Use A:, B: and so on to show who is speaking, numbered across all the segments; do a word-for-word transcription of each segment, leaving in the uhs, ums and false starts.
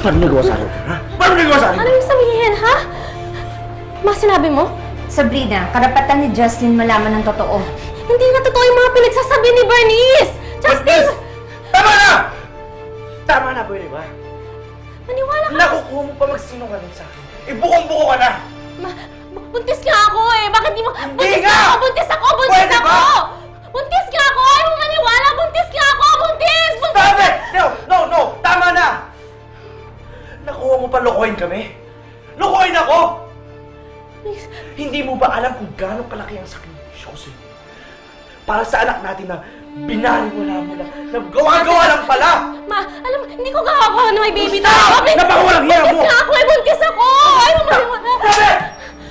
A: Paano nagawa sa akin? Ha? Paano nagawa sa akin?
B: Ano yung sabihin, ha? Ma, sinabi mo?
C: Sabrina, karapatan ni Justin malaman ng totoo.
B: Hindi na totoo yung mga pinagsasabi ni Bernice! Justin!
A: Tama na! Tama na, pwede ba?
B: Maniwala ka!
A: Nakukuha mo pa magsinungaling sa akin. Eh, bukong-buko ka na!
B: Ma, bu- buntis nga ako eh! Bakit di mo...
A: Hindi
B: buntis
A: nga!
B: ako! Buntis ako! Buntis
A: Pwede
B: ako!
A: ba?
B: Buntis nga ako! Ayaw mo maniwala! Buntis nga ako! Buntis! Buntis!
A: Stop it! No! No! No! Tama na! Nakuha mo pa lokohin kami? Lokohin ako!
B: Please.
A: Hindi mo ba alam kung gaano kalaki ang sakripisyo ko sa'yo? Para sa anak natin na binaliwala mo lang, na gawa-gawa lang pala!
B: Ma, alam mo, hindi ko gagawa na may baby na
A: Stop!
B: ako! Please!
A: Napakawalang hiya mo!
B: Buntis nga ako eh! Buntis ako! Ayaw mo maniwala!
A: Stop it!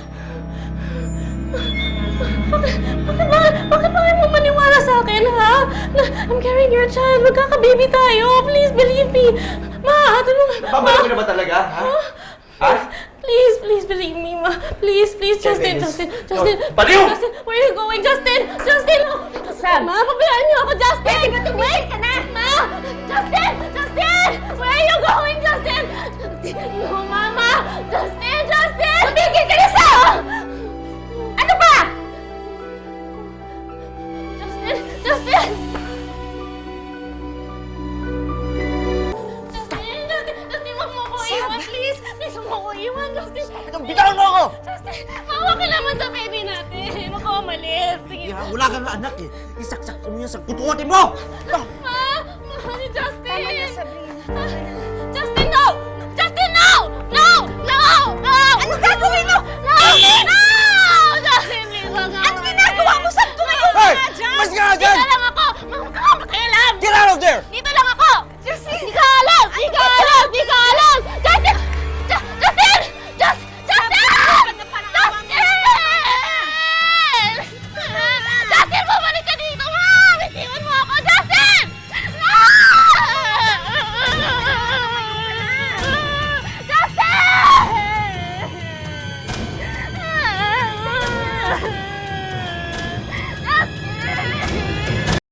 B: Bakit, bakit, bakit, bakit ba ayaw mo maniwala sa akin, ha? Na, I'm carrying your child. Magkaka-baby tayo. Please, believe me. Ma, tulungan.
A: Babalik mo na ba talaga, ha? Ha?
B: Please, please believe me, ma. Please, please, Justin,
A: Dennis.
B: Justin, Justin.
A: No, baliw!
B: Justin, where are you going, Justin? Justin!
C: Sam.
B: Ma, pabayaan niyo ako, Justin!
C: Pwede ba tumigil ka na?
B: Ma! Justin! Justin! Where are you going, Justin? No, Mama! Justin! Justin!
C: Tumigil ka na, Sam! Ano ba?
B: Justin! Justin! Justin! Justin! Justin, wag mo ko iwan, please! Please, wag mo ko iwan, Justin!
A: Bitawan mo ako!
B: Justin! Maawa ka naman sa baby natin! Huwag ka umalis! Sige!
A: Wala kang anak eh. Isaksak mo yan sa kutukotin mo!